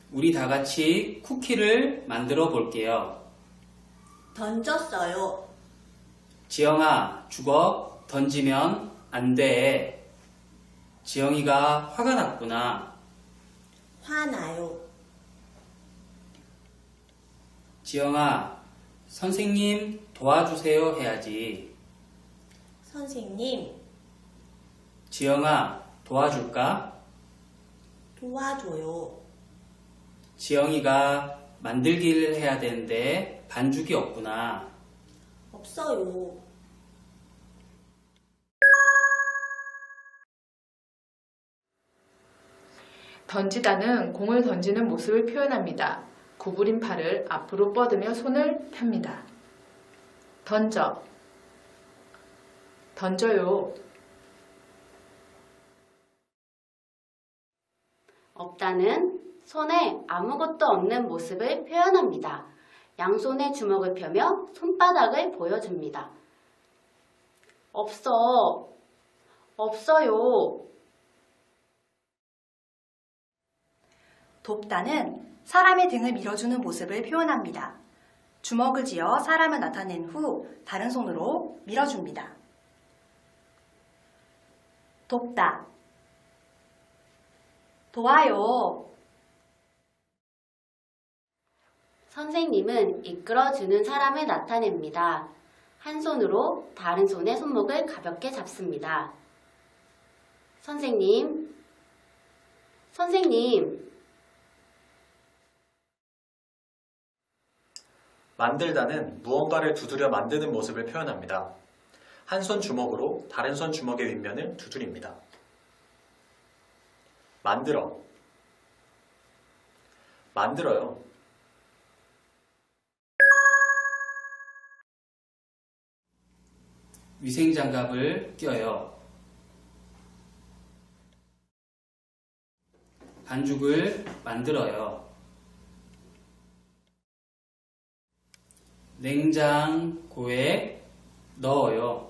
우리 다 같이 쿠키를 만들어 볼게요. 던졌어요. 지영아, 주걱 던지면 안 돼. 지영이가 화가 났구나. 화나요. 지영아, 선생님 도와주세요 해야지. 선생님, 지영아, 도와줄까? 도와줘요. 지영이가 만들기를 해야 되는데 반죽이 없구나. 없어요. 던지다는 공을 던지는 모습을 표현합니다. 구부린 팔을 앞으로 뻗으며 손을 펴니다. 던져, 던져요. 없다는 손에 아무것도 없는 모습을 표현합니다. 양손에 주먹을 펴며 손바닥을 보여줍니다. 없어, 없어요. 돕다는 사람의 등을 밀어주는 모습을 표현합니다. 주먹을 쥐어 사람을 나타낸 후 다른 손으로 밀어줍니다. 돕다, 도와요. 선생님은 이끌어주는 사람을 나타냅니다. 한 손으로 다른 손의 손목을 가볍게 잡습니다. 선생님, 선생님. 만들다는 무언가를 두드려 만드는 모습을 표현합니다. 한 손 주먹으로 다른 손 주먹의 윗면을 두드립니다. 만들어, 만들어요. 위생장갑을 껴요. 반죽을 만들어요. 냉장고에 넣어요.